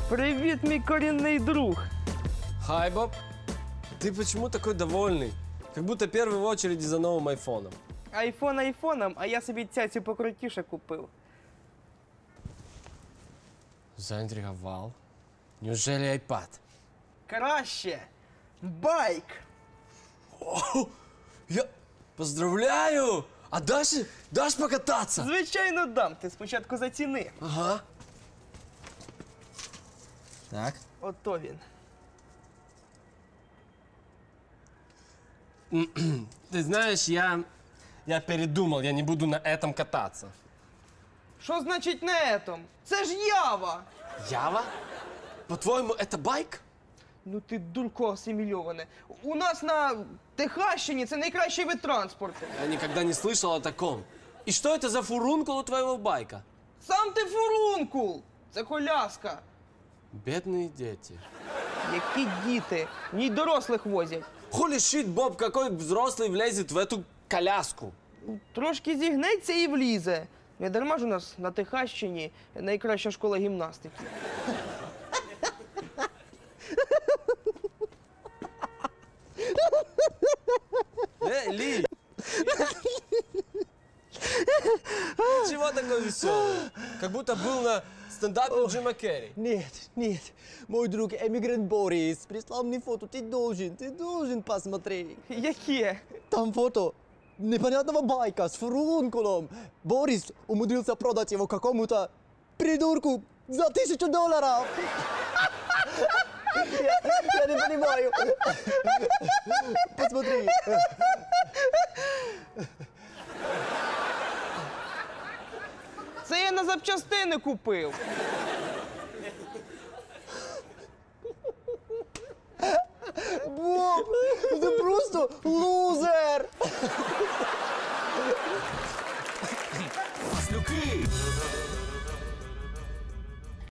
Привет, мой коренный друг. Хай, Боб. Ты почему такой довольный? Как будто первый в очереди за новым айфоном. Айфон айфоном, а я собі цяцю покрутіше купив. Заинтриговал. Неужели айпад? Краще. Байк. О, я поздравляю! А дашь покататься? Звичайно дам, ти спочатку заціни. Ага. Так. Ото він. Ты знаешь, я передумал, я не буду на этом кататься. Що значить на этом? Це ж Ява. Ява? По-твоему, это байк? Ну ти дурко асимільоване. У нас на Техащині це найкращий вид транспорту. Я никогда не слышал о таком. И что это за фурункул у твоего байка? Сам ти фурункул. Це коляска. Бедные дети. Які діти? В ній дорослих возять. Хули щит, Боб, какой взрослый влезет в эту коляску? Трошки зігнеться і влізе. Не дарма ж у нас на Техащині найкраща школа гімнастики. Ли! Чего такой веселый? Как будто был на стендапе у Джима Керри. Нет. Мой друг эмигрант Борис прислал мне фото. Ты должен посмотреть. Яке? Там фото непонятного байка с фурункулом. Борис умудрился продать его какому-то придурку за $1000. Я не понимаю. Посмотри. Це я на запчастини купив. Боб, ты просто лузер. Маслюки!